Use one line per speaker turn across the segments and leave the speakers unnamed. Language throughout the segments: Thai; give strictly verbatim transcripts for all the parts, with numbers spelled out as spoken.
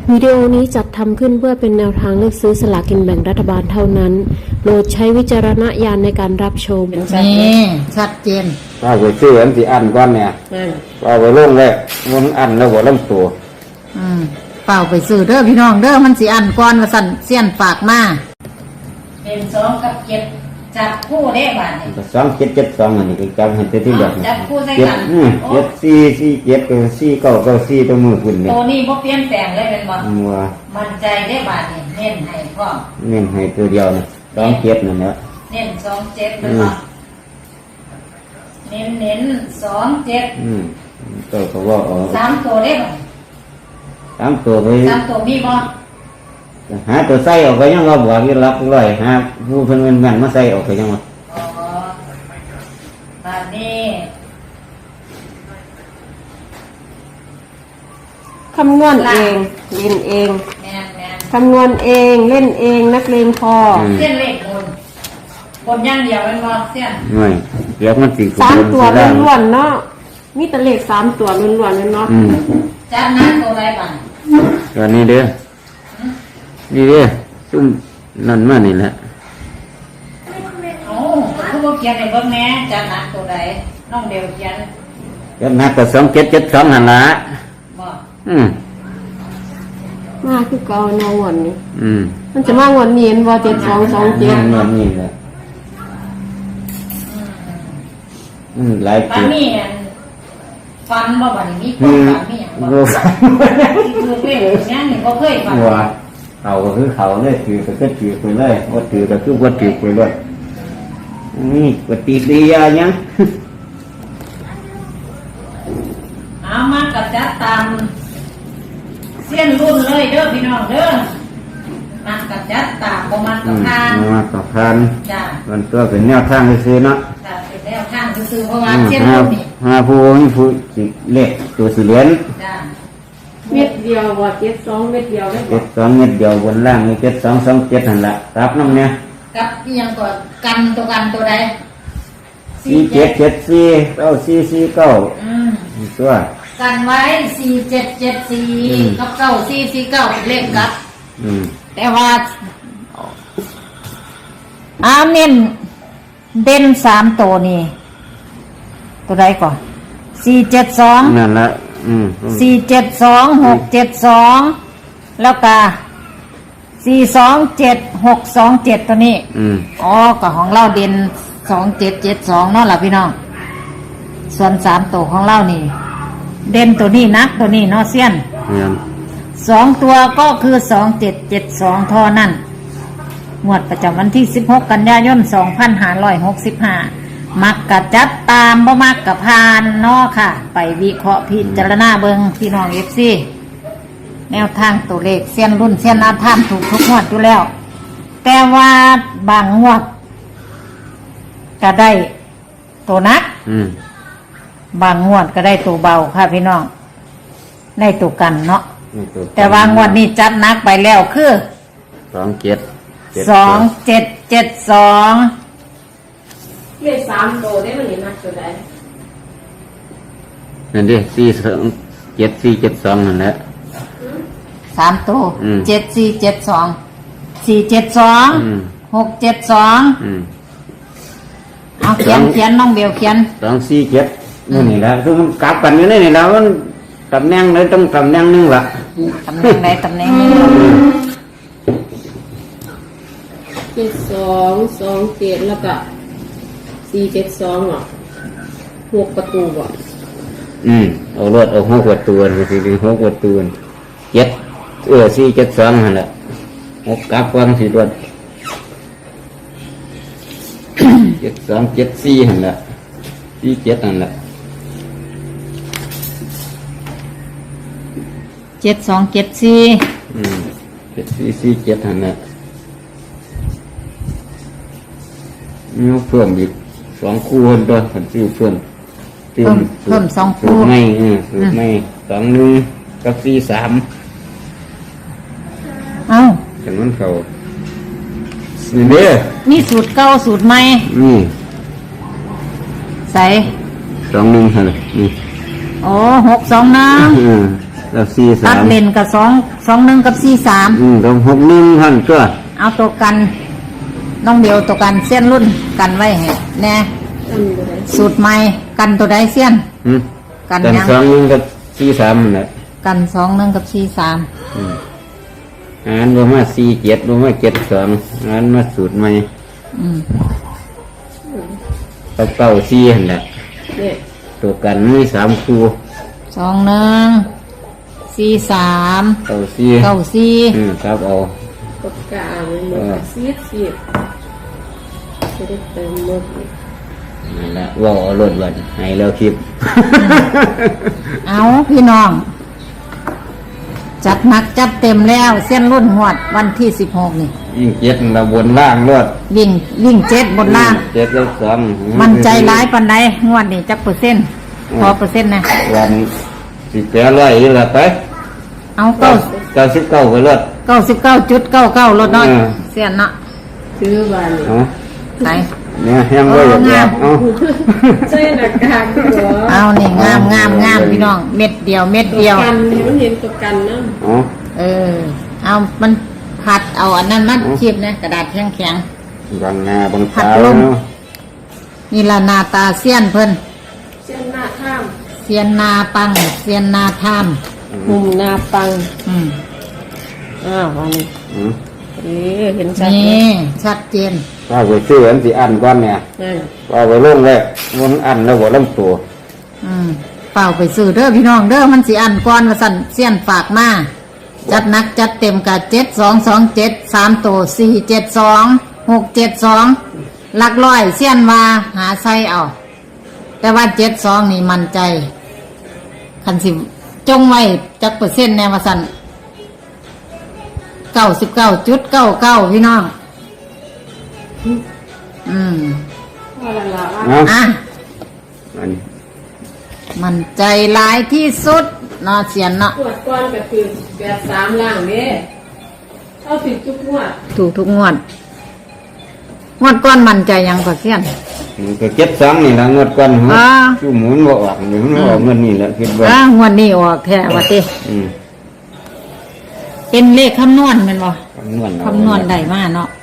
วิดีโอนี้จัดทำขึ้นเพื่อเป็นแนวทางเลือกซื้อสลากกินแบ่งรัฐบาลเท่านั้นโปรดใช้วิจารณญาณในการรับชม
นี่ชัดเจน
ว่าไปซื้ออันที่อันก้อนเนี่ยว่าไปลงเลยมันอันแล้วหัวลำตัว
อืมเปล่าไปซื้อเด้อพี่น้องเด้อมันสิอันก้อนมาสั่นเสี้ยนปากมา
เป็นสองกับเจ็ดจับคู่ได้บ้านนี่
สองเจ็ดเจ็ดสองอันนี้ก็จำให้ตัวที่แบบ
จับคู่ใส่กัน
เจ็ดสี่สี่เจ็ดกับสี่เก้าเก้าสี่ตัวมือคุณเนี่ย
ตัวนี้บ่เปลี่ยนแปลงเลยเป็นบ่
มัว
มั่นใจได้บ้านนี่เน้นให้พร้อม
เน้นให้ตัวเดียวนะสองเจ็ดนั่นแหละ
เน้นสองเจ็ดเลยบ่เน้นเน้นสองเจ็ด
อืมตัวเขาว่าอ๋อ
สามตัวได้บ่
สามตัวไป
สามตัวมีบ่
หาตัวใส่ออกไปยังเราบอกยี่รับร้อยหาผู้เพิ่นเงินแม่นมาใส่ออกไปยังวะ
อ๋อบ้านนี้
คำนวณเองเล่นเอง
แม่นแม่น
คำนวณเองเล่นเองนักเลงพอ
เส้นเลขบนบนอย่างเดียวเป็นบ่เส้น
ไม่เดี๋ยวมันสิ
สามตัวล้วนๆเนาะมีแต่เลขสามตัวล้วนๆเนาะ
จับนั้นตัวใดบ้าง
ตัวนี้เด้อนี่เด้อซุ่มนั่นมานี่แหละ
โอ้คือบ่เขียนให้เบิ่งแม่จับนั้นตัวใดน้องเดียวเขียน
จับนักก็สองเจ็ดเจ็ดสองนั่นล่ะ
บ่
อืม
มาคือเก่าเนาะวันนี้
อืม
มันจะมางวดนี้บ่เจ็ดสองสองเจ็ด
งวดนี้แหละอืมหลาย
ปีบัดนี้ฟันบ่บัดนี้มีคนฟันมีหยังบ่คือเรื่องยังนี่บ่เคยฟัน
ว่าเขาก็คือเขาเลยถือก็คือถือไปเลยว่าถือก็คือว่าถือไปเลยนี่ปฏิกิริยายัง
เอามากับจัดตามเส้นรุ่นเลยเด้อพี่น้องเด้อมากับจัดตามบ่มากับทาน
มากับทาน
จ้ะ
มันตัวเป็นแนวทางซื่อๆเนาะ
จ้ะเป็นแนวทางซื่อๆเพราะว่าเส้นรุ่นนี่
หาผู้มีผู้สิเล็กตัวสิเหรียญ
จ้ะ
เม็ดเดียวว่าเจ็ดสองเม็ดเดียวได้
เจ็ดสองเม็ดเดียวบนล่างมีเจ็ดสองสองเจ็ดนั่นแหละรับน้ำเนี่ย
กับยังก่อนกันตัวกันตัวใด
สี่เจ็ดเจ็ดสี่เก้าสี่สี่เก้าตัว
กันไว้สี่เจ็ดเจ็ดสี่กับเก้าสี่สี่เก้าเลขกับแต่ว่าอาเน้นเด่นสามตัวนี่ตัวใดก่อนสี่เจ็ดสอง
นั่นแหละ
สี่เจ็ดสองหกเจ็ดสองแล้วก็สี่สองเจ็ดหกสองเจ็ดตัวนี้อ๋อกับของเราเด่นสองเจ็ดเจ็ดสองเนาะล่ะพี่น้องส่วนสามตัวของเรานี่เด่นตัวนี้นักตัวนี้เนาะเซียนสองตัวก็คือสองเจ็ดเจ็ดสองท่อนั่นงวดประจำวันที่สิบหกกันยายนสองพันห้าร้อยหกสิบห้ามักกะจัดตามบ่มักกะพานเนาะค่ะไปวิเคราะห์พิจารณาเบิงพี่น้องเอฟซีแนวทางตัวเลขเส้นรุ่นเส้นอาท่านถูกทุกงวดอยู่แล้วแต่ว่าบางงวดก็ได้ตัวนักบางงวดก็ได้ตัวเบาค่ะพี่น้องได้ตัวกันเนาะแต่ว่างวดนี้จัดนักไปแล้วคือ
สองเจ็ด
สองเจ็ดเจ็ดสอง
เลขสามตัวได้มันนี่นักตัวใด
นั่นดิสี่สองเจ็ดสี่เจ็ดสองนั่นแหละ
สามตัวเจ็ดสี่เจ็ดสองสี่เจ็ดสองหกเจ็ดสองเอาเขียนเขียนน้องเบลเขียน
สองสี่เจ็ดนี่นี่แหละคือมันกลับกันอยู่นี่นี่แล้วมันตำแหน่งไหนต้องตำแหน่งนึงละ
ตำแหน่งไหนตำแหน่งนึง
เจ็ดสองสองเจ็ดแล้วก็สี่เจ็ดสองอ่ะหกประตูอ่ะ
อืมเอารถเอาหกประตูไปสิหกประตูเจ็ดเออสี่เจ็ดสองนั่นแหละหกกลับกันสี่รถเจ็ดสองเจ็ดสี่นั่นแหละสี่เจ็ดนั่นแหละ
เจ็ดสองเจ็ดสี่
อืมเจ็ดสี่สี่เจ็ดนั่นแหละมีเพิ่มอีกสองคู่คนตัวขันซื้อเพิ่ม
เพิ่มเพิ่มสองคู่
ไม่เออไม่สองหนึ่งกับสี่สาม
เอ้า
ฉันมันเขานี่เด้อ
นี่สูตรเก้าสูตรใหม่
นี่
ใส่
สองหนึ่งเหรอนี่
โอ้หกสองนะ
สแล้วสี่
ตั
สา
ด
ม
เลนกับสองสองหนึ่งกับสี่สาม
อืมตรงหกหนึ่งหันก็
เอาตัวกันน้องเดียวตัวกันเส้นรุ่นกันไว้ให้แน่
ตั้งอยู่ไหน
สูตรใหม่กันตัวใดเส้น
อืม
กัน
กัน
ยัง
สองหนึ่งกับสี่สามนั่นแหละ
กันสองหนึ่งกับสี่สาม
อืมอ่านบ่มาสี่เจ็ดบ่มาเจ็ดสองอ่านมาสูตรใหม่
อืม
เก้าเก้าสี่หันแหละ
เนี่ย
ตัวกันมีสามคู่
สองหนึ่งสี่สาม
เก้าสี่
เก้าสี่
อืมครับเอา
ปากกาเลยหมดเสียดเสียดจะได้เติมหมดอีก
นั่นแหละว่าเอารถวันให้แล้วคลิป
เอาพี่น้อง จัดหนักจัดเต็มแล้วเส้นรุ่นหวดวันที่สิบหกนี่
ยิ่งเจ็ดเราบนล่างรถ
วิ่งวิ่งเจ็ดบนล่าง
เจ็ดแล้วสอง
มันใจร้ายปันใดงวดนี่จักเปอร์เซ็นต์พอเปอร์เซ็นต์นะ
วันสิบแปดร้อยนี่แหละไป
เอาเก้า
เก้าสิบเก้าไปรถ
เก้าสิบเก้าจุดเก้าเก้ารถน้อย
เออ
เสียนเนาะ
ซื้อบานนี่
เอา
ไหน
เนี่ยแฮมไว้อย่างเดียวเอา
ใส่หน้ากากหัว
เอานี่งามงามงามพี่น้องเม็ดเดียวเม็ด
ตัว
เดียว
กันเนี่ยมันเห็นตัวกันนะ
เอา
เออ เอามันผัดเอาอันนั้นมัดคีบนะกระดาษแข็งแข็ง
บางนาบาง
ผัด
ตา
ลม
เนาะ
ๆนี่ละหนาตาเสี้ยนเพิ่น
เส้นหน้าข้าม
เสียนนาปังเสียนนาทาม
มุมหน้าปัง
อืม
อ้าววันนี้
อืม
เอ๊ะเห็นชัด
นี่ชัดเจน
ว่าไปซื้ออันสิอันก่อนเนี่ย
นั่น
ว่าไปลงเลยมันอันแล้วบ่ลำตัว
อืมเปล่าไปซื้อเด้อพี่น้องเด้อมันสิอันก่อนว่าสั่นเสี้ยนฝากมาจัดหนักจัดเต็มกับเจ็ดสองสองเจ็ดสามตัวสี่เจ็ดสองหกเจ็ดสองหลักร้อยเสี้ยนว่าหาไส้เอา แต่ว่าเจ็ดสองนี่มันใจ คันสิจงไว้จักเปอร์เซ็นต์แนวว่าสั่นเก้าสิบเก้าจุดเก้าเก้าพี่น้อง อืม
ว่าละละว่า
เอา
อ่ะ
อันนี้
มันใจร้ายที่สุดเนาะเสียนเนาะ
ปวดก้อนก็คือแปดสามล่างเด้เอาสิบจุกหัวด
ถูกทุกงวด งวดก้อนมันใจยังกว่าเสียน
มันก็เจ็ดสองนี่ละงวดก่อน
อ่า
ชูหมุนบ่ออกนี่มันบ่ออกเงินนี่แหละคิดว่า
อ่างวดนี้ออกแท้ว่าติ
อืม
เป็นเลขคำนวณแมันบ่
คำนวณเอา
คำนวณได้มาเนาะ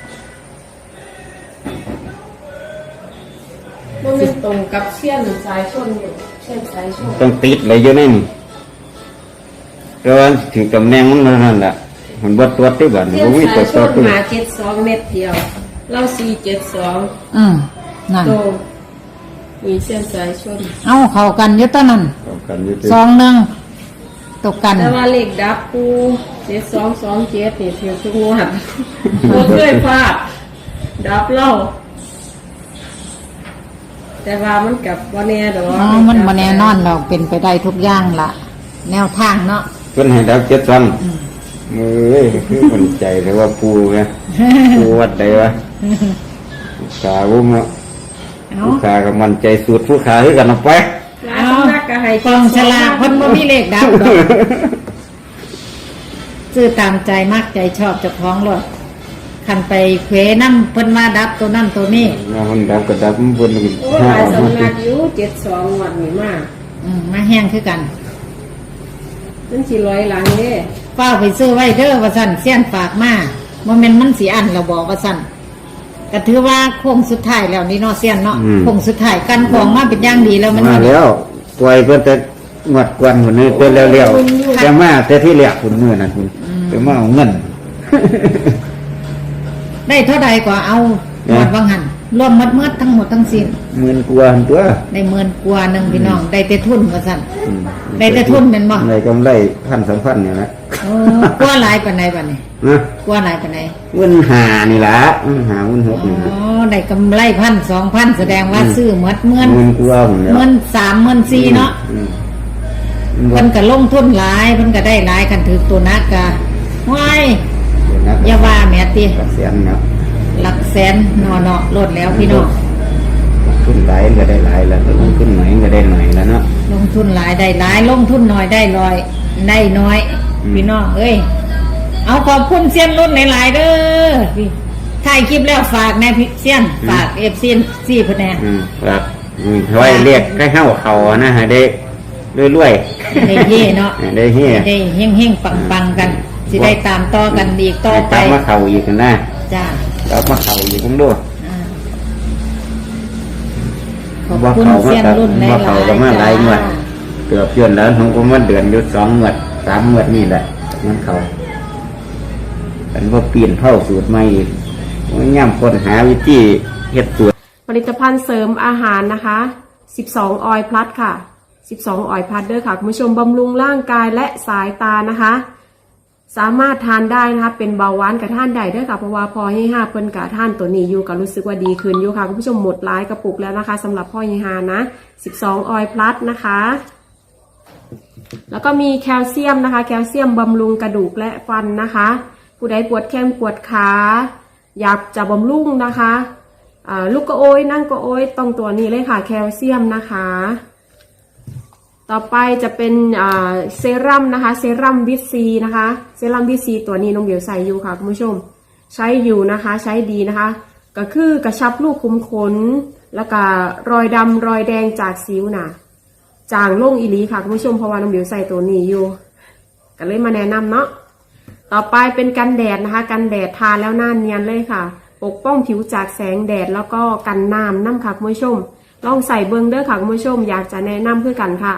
มันเป็นตรงกับเสี้ยนสายชนอยู่เส้นสายชน
ต้องติดอะไรอยู่ในนี่แต่ว่าถึงตำแหน่งมันนั่นแหละมันบ่ตัวที่บ้าน
เส้น
บ่มี
สา
ตั
ยว ช
ตัวน ตัว
หาเจ็ดสองเม็ดเดียวเล่าสี่เจ็ดสอง
อืมนั่น
โตมีเส้นสายชน
เอาเข้ากันอยู่ตอนนั้น
เอากันอยู่ที่
สองหนึ่งตกกัน
แต่ว่าเลขดับกูเจ็ดสองสองเจ็ดนี่เทียบทุกงวดบ่เคยพลาดดับเล่าแต่ว่ามันกับวันแน่ดอก
อ๋อมันบ่แน่นอนดอกเป็นไปได้ทุกอย่างล่ะ แนวทางเนาะ
เพิ่นให้ดาวเจ็ดซันมือเอ้ยคือคนใจเลยว่าปูไงปูวัดใดวะขาวุ้มเนาะ
เอา
ผู้ขากับมันใจสุดผู้ขาคือกันออกไป
หลายสำนักก็ให้
กองฉลากเพิ่นบ่มีเลขดับดอกซื้อตามใจมากใจชอบเจ้าของรถคันไปเควน้ำเพิ่นมาดับตัวนั่นตัวนี้
มันดับก็ดับมันเพิ่น
โอ้ยหลายสำนักอยู่เจ็ดสองงวดนี่มาก
อืมมาแห้งคือกัน
นั่นสิร้อยหลังเด้
เฝ้าไปซื้อไว้เด้อว่าสั่นเสี้ยนฝากมาโมเมนต์มันสีอันเราบอกว่าสั่นก็ถือว่าโค้งสุดท้ายแล้วนี่เนาะเสี้ยนเนาะโค้งสุดท้ายกันของมาเป็นอย่างดีแล้วมัน
มาแล้วปล่อยเพิ่นแต่งวดกวนคนนี้เพิ่นเร็วๆแต่มาแต่ที่แรกคุณมื้อนั้นคุณไปมาเอาเงิน
ได้เท่าใดก็เอาหมดว่างหันรวมหมดเมื่อทั้งหมดทั้งสิ้น
หมื่นกว่าหั่นตัว
ได้หมื่นกว่าหนึ่งพี่น้องได้แต่ทุนว่าสั่น
อืม
ได้แต่ทุนแม่นบ่
ได้กำไรพันสองพันนี่แหละ
โอ้กว่าหลายปานใดบัดนี้
นะ
กว่าหลายปานใด
เงินหานี่ล่ะเงินหาเงินหก
อ๋
นี่
อได้กำไรพันสองพันแสดงว่าซื้อหมดเมื่อน
เงินกว่าผมแล้ว
เมื่อนสามเมื่อนสี่เนาะ
อืม
เพิ่นก็ลงทุนหลายเพิ่นก็ได้หลายกันถือตัวนักกะว้าย
เดี๋ยวนะ
อย่าว่าแม่ติ
กระเสียนเนาะ
หลักแสนนอเนาะลดแล้วพี่น้อง
ขึ้นหลายก็ได้หลายแล้วลงขึ้นหน่อยก็ได้หน่อยแล้วเนาะ
ลงทุนหลายได้หลายลงทุนน้อยได้น้อยได้น้อย
อืม
พี่น้องเอ้ยเอาขอบคุณเซียนรุ่นหลายๆเด้อพี่ถ่ายคลิปแล้วฝากแน่พี่เซียนฝากเอฟซีซีเพิ่นแน่
อืมครับอืมไว้เรียกใกล้เข้าเขานะฮะเด็กรวย
ได้เย่เนาะ
ๆได้เฮีย
ได้เฮ่งเฮ่งปังปังๆกัน สิได้ตามต่อกันอีกต่อไป
กลับมาเข่าอีกนะ
จ้าก
ลับมาเข่าอีกทั้งด้วย
อ่าขอบคุณเซียนรุ่นหลาย
มาเข่าก็มาหลายงวด
จ้า
เกือบเดือนแล้วผมก็มาเดือนอยู่สองงวดสามงวดนี่แหละมันเข่าอันว่าเปลี่ยนเข้าสูตรใหม่อีกมันย่ำคนหาวิธีเฮ็ดสูตร
ผลิตภัณฑ์เสริมอาหารนะคะสิบสองออยล์พลัสค่ะสิบสองออยล์พลัสเด้อค่ะคุณผู้ชมบำรุงร่างกายและสายตานะคะ สามารถทานได้นะคะเป็นเบาหวานกับท่านใดเด้อค่ะเพราะว่าพอให้ห้าเพิ่นกับท่านตัวนี้อยู่ก็รู้สึกว่าดีขึ้นอยู่ค่ะคุณผู้ชมหมดหลายกระปุกแล้วนะคะสำหรับพ่อยี่ห้านะสิบสองออยล์พลัสนะคะแล้วก็มีแคลเซียมนะคะแคลเซียมบำรุงกระดูกและฟันนะคะผู้ใดปวดแข้งปวดขาอยากจะบำรุงนะคะลูกกระโอยนั่งกระโอยต้องตัวนี้เลยค่ะแคลเซียมนะคะต่อไปจะเป็นเซรั่มนะคะเซรั่มวิตซีนะคะเซรั่มวิตซีตัวนี้น้องเบียวใส่อยู่ค่ะคุณผู้ชมใช้อยู่นะคะใช้ดีนะคะก็คือกระชับลูกคุมขนแล้วก็รอยดำรอยแดงจากสิวน่ะจางลงอีหลีค่ะคุณผู้ชมเพราะว่าน้องเบียวใส่ตัวนี้อยู่ก็เลยมาแนะนำเนาะต่อไปเป็นกันแดดนะคะกันแดดทาแล้วหน้าเนียนเลยค่ะปกป้องผิวจากแสงแดดแล้วก็กันน้ำน้ำค่ะคุณผู้ชมลองใส่เบิ้งเด้อค่ะคุณผู้ชมอยากจะแนะนำเพื่อกันค่ะ